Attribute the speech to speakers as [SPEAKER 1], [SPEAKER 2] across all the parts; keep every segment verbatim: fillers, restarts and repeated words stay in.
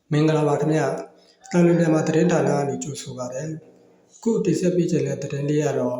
[SPEAKER 1] မင်္ဂလာပါခင်ဗျာတန်လွင်မြန်မာသတင်းဌာနကနေကြိုဆိုပါရစေခုတင်ဆက်ပေးခြင်းတဲ့သတင်းလေးကတော့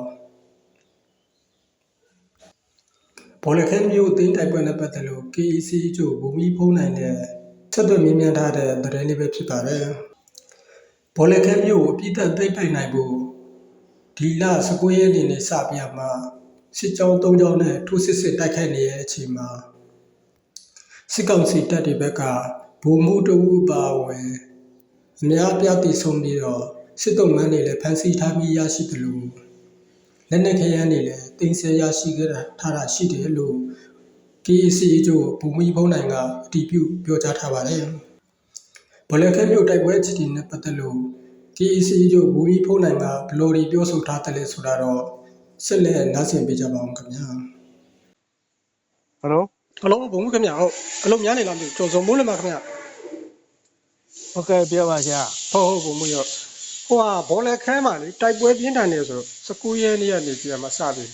[SPEAKER 1] ဘောလခဲမျိုးအသိတိုက်ပွဲနဲ့ပတ်သက်လို့ K E C ကျို့ဘူမီဖုံးနိုင်တဲ့ဆက်သွယ်မြင်မြန်ထားတဲ့သတင်းလေးပဲဖြစ်ပါတယ်ဘောလခဲမျိုးကိုအပြစ်သက်သိပိုက်နိုင်ဖို့ဒီလ十九ရက်နေ့နဲ့စပြမှာစစ်ကြောင်း၃ကြောင်းနဲ့ထိုးစစ်စစ်တိုက်ခိုက်နေတဲ့အချိန်မှာစစ်ကောင်စီတပ်တွေဘက်ကဘူမှုတဝူပါဝင်အများအပြားတည်ဆုံပြီးတော့စစ်တုံးမန်းတွေလည်းဖမ်းဆီးထားပြီးရရှိတယ်လို့လက်နက်ခဲယမ်းတွေလည်းတင်ဆက်ရရှိခဲ့တာထားတာရှိတယ်လို့ K E C ကျို့ဘူမီဖုံးနိုင်ကအတည်ပြုပြောကြားထားပါတယ်။ဘောလခဲမျိုးတိုက်ပွဲအခြေအနေနဲ့ပတ်သက်လို့ K E C ကျို့ဘူမီဖုံးနိုင်ကဘလိုဒီပြောဆိုထားတယ်လဲဆိုတာတော့ဆက်လက်နားဆင်ပေးကြပါအောင်ခင်ဗျာ။
[SPEAKER 2] Hello
[SPEAKER 1] ဟယ်လိုဘုံခင်ဗျာဟုတ်အလုံးများနေလားမသိဘူးကျော်စုံမိုးလည်းပါခင်ဗျာ
[SPEAKER 2] ဟုတ်ကဲ့ပြောပါဗျာ
[SPEAKER 1] ဟုတ်ဟုတ်ဘုံမရောဟိုဟာဘောလခဲမှာလေတိုက်ပွဲပြင်းထန်နေဆို十九ရက်နေ့ကနေပြန်မှာစပြီ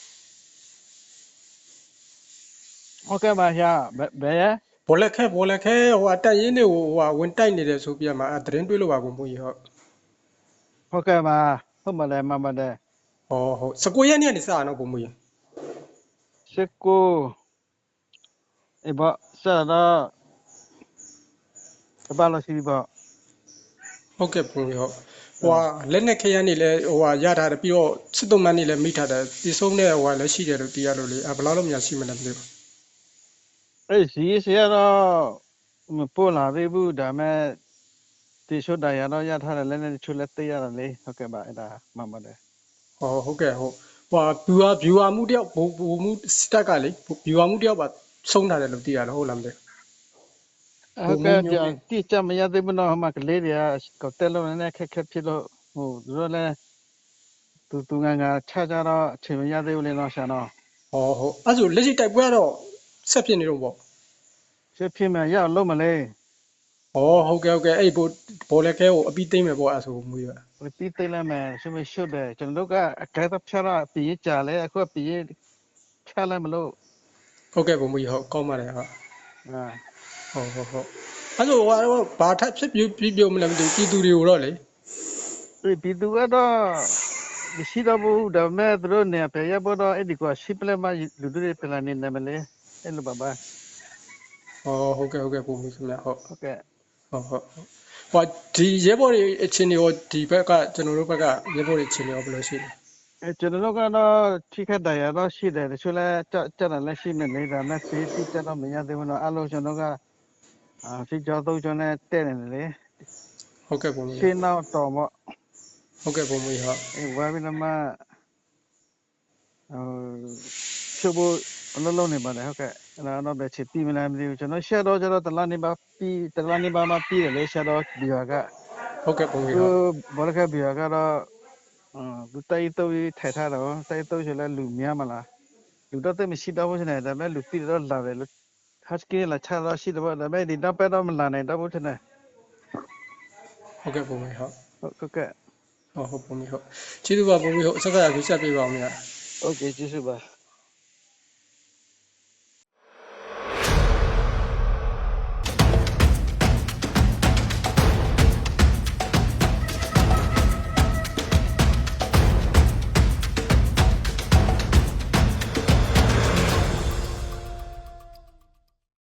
[SPEAKER 2] ဟုတ်ကဲ့ပါဗျာဘယ်ရဲ
[SPEAKER 1] ဘောလခဲဘောလခဲဟိုဟာတက်ရင်းတွေဟိုဟာဝင်တိုက်နေတယ်ဆိုပြန်မှာအသတင်းတွေးလို့ပါဘုံမကြီးဟုတ်
[SPEAKER 2] ဟုတ်ကဲ့ပါဟုတ်ပါလေမှန်ပါတယ်
[SPEAKER 1] ဟောဟုတ်十九ရက်နေ့ကနေစရအောင်ဘုံမကြီး
[SPEAKER 2] 十九အေးပေါ့ဆက်တော့ဘာလို့ရှိပြီပေါ့
[SPEAKER 1] ဟုတ်ကဲ့ဘုံကြီးဟုတ်ဟိုဟာလက်နက်ခဲယမ်းတွေလည်းဟိုဟာရထားတယ်ပြီးတော့စစ်တုံးမန်းတွေလည်းမိထားတယ်ဒီဆုံးတဲ့ဟိုဟာလည်းရှိတယ်လို့တရားလို့လေအဲဘယ်လောက်လို့များရှိမလဲမသိဘူး
[SPEAKER 2] အေးစီစီတော့မပို့လာသေးဘူးဒါမဲ့ဒီရှုတာရတော့ရထားတယ်လည်းလည်းချွတ်လက်သေးရတယ်လေဟုတ်ကဲ့ပါအဲ့ဒါမှန်ပါတယ်
[SPEAKER 1] ဟောဟုတ်ကဲ့ဟုတ်ဟိုဟာ viewer viewer မှုတယောက်ဘုံဘုံမှုစတက်ကလေ viewer မှုတယောက်ပါဆုံးထားတယ်လို့သိရတယ်ဟုတ်လားမသိ
[SPEAKER 2] ဟုတ်ကဲ့ကြာတိကျမရသေးဘူးတော့မှကလေးတွေကတက်လို့လည်းခက်ခက်ဖြစ်လို့ဟိုသူတို့လည်းသူသူငန်းကခြားကြတော့အချိန်မရသေးဘူးလေတော့ဆရာတော့
[SPEAKER 1] ဟောဟုတ်အဲ့ဆိုလက်ရှိတိုက်ပွဲကတော့ဆက်ဖြစ်နေတော့ပေါ့
[SPEAKER 2] ဆက်ဖြစ်မှရလို့မလဲ
[SPEAKER 1] ဟောဟုတ်ကဲ့ဟုတ်ကဲ့အဲ့ဘောဘောလက်ခဲကိုအပြီးသိမ့်မယ်ပေါ့အဲ့ဆိုမူရ
[SPEAKER 2] ပြီးသိမ့်လိုက်မယ်ဆိုမရှုပ်တယ်ကျွန်တော်တို့ကအကဲတော့ဖြတ်တော့ပြီးကြလဲအခုပြီးဖြတ်လိုက်မလို့
[SPEAKER 1] ဟုတ်ကဲ့ဘုံမူဟုတ်ကောင်းပါတယ်ဟုတ်
[SPEAKER 2] အာ
[SPEAKER 1] ဟုတ်ဟုတ်ဟုတ်အဲ့ဆိုဟိုဘာထပ်ဖြစ်ပြပြပြမလဲမသိဘူးပြည်သူတွေကိုတော့လေ
[SPEAKER 2] ပြည်သူကတော့မရှိတော့ဘူးဒါပေမဲ့သူတို့နေပြရပေါ်တော့အဲ့ဒီကရှိပလက်မလူတွေပြန်လာနေတယ်မလဲအဲ့လိုပါပါ
[SPEAKER 1] ဟောဟုတ်ကဲ့ဟုတ်ကဲ့ဘုံမူခင်ဗျဟုတ်
[SPEAKER 2] ဟုတ်ကဲ့
[SPEAKER 1] ဟုတ်ဟုတ်ဟိုဒီရဲဘော်တွေအချင်းတွေရောဒီဘက်ကကျွန်တော်တို့ဘက်ကရဲဘော်တွေအချင်းတွေရောဘယ်လိုရှိလဲ
[SPEAKER 2] အဲကျွန်တော်တို့ကတော့ထိခတ်တရားတော့ရှိတယ်တချို့လဲကြကြတယ်လည်းရှိနေလေဒါမဲ့စီးတိကျတော့မရသေးဘူးတော့အဲ့လိုကျွန်တော်ကအာစီကြောတော့ကျွန်တော်တဲ့နေတယ်လေ
[SPEAKER 1] ဟုတ်ကဲ့ဘုံမူ
[SPEAKER 2] ရှင်းတော့တော်ပေါ့
[SPEAKER 1] ဟုတ်ကဲ့ဘုံမူဟုတ်
[SPEAKER 2] အဲဝါဘီနမဟိုချိုးဖို့အလုံးလုံးနေပါတယ်ဟုတ်ကဲ့အဲ့တော့ပဲချစ်ပြီးမလားမသိဘူးကျွန်တော်ရှက်တော့ကျတော့တလားနေပါပြီးတလားနေပါမှပြီးတယ်လေရှက်တော့ဒီဟာက
[SPEAKER 1] ဟုတ်ကဲ့ဘုံမူဟုတ်
[SPEAKER 2] ဘောလကဘီဟာကတော့အာသူတိုက်တော့ထိုင်ထားတော့တိုက်တော့ကျလဲလူများမလားလူတော့တိတ်မရှိတော့ဘူးရှင်ဒါပေမဲ့လူပြီးတော့လာတယ်လို့ husky လာချတော့ရှိတော့ဒါပေမဲ့ဒီတော့ပဲတော့မလာနိုင်တော့ဘူးထင်တယ်
[SPEAKER 1] ဟုတ်ကဲ့ဘုံမူဟုတ်
[SPEAKER 2] ဟုတ်ကဲ့
[SPEAKER 1] ဟုတ်ဟုတ်ဘုံမူဟုတ်ကျေးဇူးပါဘုံမူဟုတ်အစကားရပြဆက်ပေးပါဦးမြတ်
[SPEAKER 2] โอเคကျေးဇူးပါ